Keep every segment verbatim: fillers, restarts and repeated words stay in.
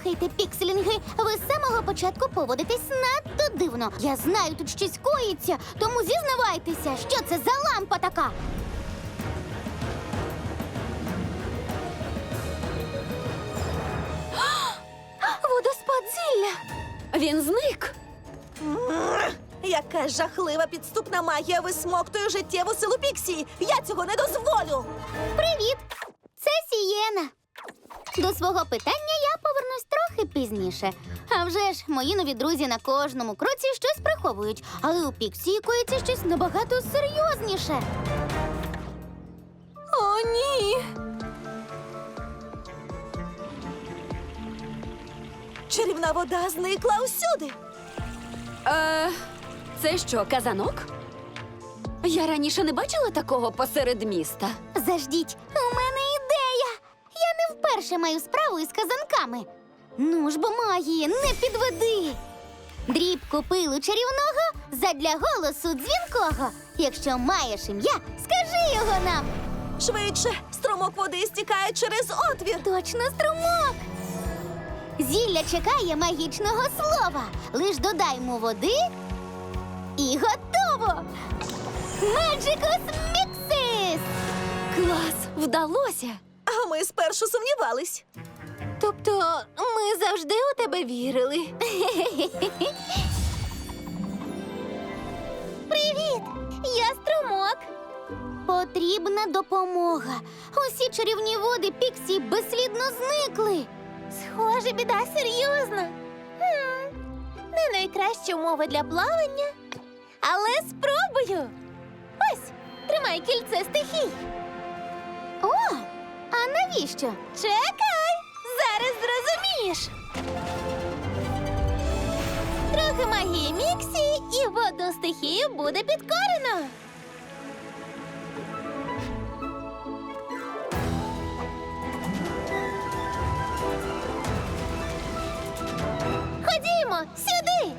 Слухайте, пікселінги, ви з самого початку поводитесь надто дивно. Я знаю, тут щось коїться, тому зізнавайтеся, що це за лампа така? Водоспад зілля! Він зник. Яка жахлива підступна магія висмоктує життєву силу Піксі! Я цього не дозволю! Привіт! Це Сієна. До свого питання я повернусь трохи пізніше. А вже ж, мої нові друзі на кожному кроці щось приховують. Але у Піксі коїться щось набагато серйозніше. О, ні. Чарівна вода зникла усюди! Е, це що, казанок? Я раніше не бачила такого посеред міста. Заждіть, у мене ідея! Я не вперше маю справу із казанками. Ну ж бо магії, не підведи! Дрібку пилу чарівного задля голосу дзвінкого. Якщо маєш ім'я, скажи його нам! Швидше! Струмок води стікає через отвір! Точно струмок! Зілля чекає магічного слова. Лиш додаймо води і готово! Magicus Mixis! Клас, вдалося. А ми спершу сумнівались. Тобто ми завжди у тебе вірили. Привіт! Я струмок. Потрібна допомога. Усі чарівні води Піксі безслідно зникли. Схоже, біда серйозна. Хм, не найкраща умова для плавання, але спробую. Ось, тримай кільце стихій. О, а навіщо? Чекай, зараз зрозумієш. Трохи магії Міксі, і водну стихію буде підкорено. Ходімо, сюди!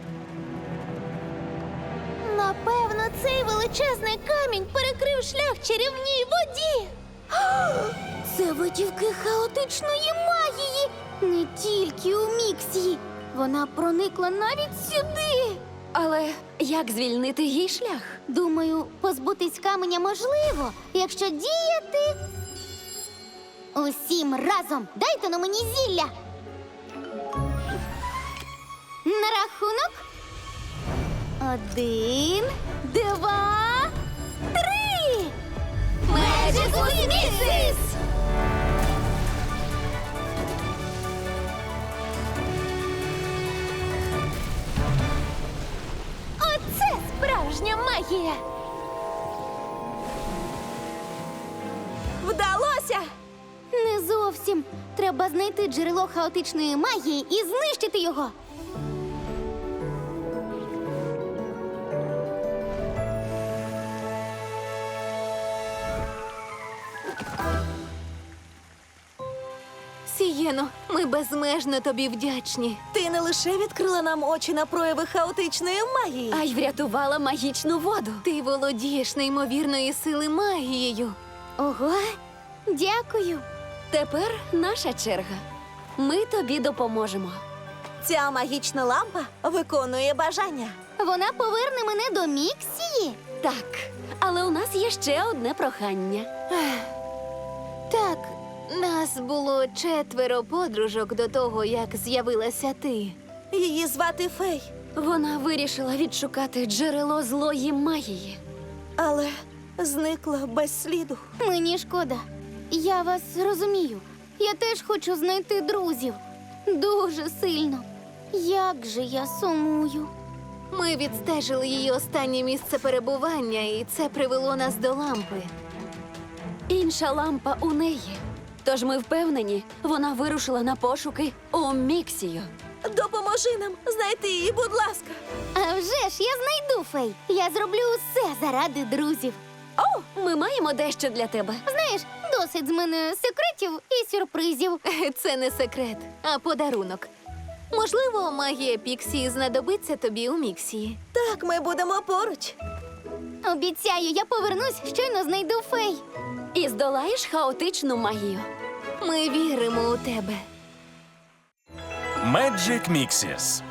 Напевно, цей величезний камінь перекрив шлях чарівній воді. Це витівки хаотичної магії. Не тільки у Міксі. Вона проникла навіть сюди. Але як звільнити їй шлях? Думаю, позбутись каменя можливо, якщо діяти усім разом. Дайте на мені зілля. На рахунок. Один, два, три! Magicus Mixis! Оце справжня магія! Вдалося! Не зовсім. Треба знайти джерело хаотичної магії і знищити його. Сієно, ми безмежно тобі вдячні. Ти не лише відкрила нам очі на прояви хаотичної магії. А й врятувала магічну воду. Ти володієш неймовірної сили магією. Ого, дякую. Тепер наша черга. Ми тобі допоможемо. Ця магічна лампа виконує бажання. Вона поверне мене до Міксії? Так, але у нас є ще одне прохання. Так, нас було четверо подружок до того, як з'явилася ти. Її звати Фей, Вона вирішила відшукати джерело злої магії. але зникла без сліду. Мені шкода. Я вас розумію. Я теж хочу знайти друзів. Дуже сильно. Як же я сумую. Ми відстежили її останнє місце перебування, і це привело нас до лампи. Інша лампа у неї. Тож ми впевнені, вона вирушила на пошуки у Міксію. Допоможи нам знайти її, будь ласка. А вже ж я знайду Фей. Я зроблю усе заради друзів. О, ми маємо дещо для тебе. Знаєш, досить з мене секретів і сюрпризів. Це не секрет, а подарунок. Можливо, магія Піксі знадобиться тобі у Міксії. Так, ми будемо поруч. Обіцяю, я повернусь, щойно знайду Фей. І здолаєш хаотичну магію. Ми віримо у тебе. Magic Mixes.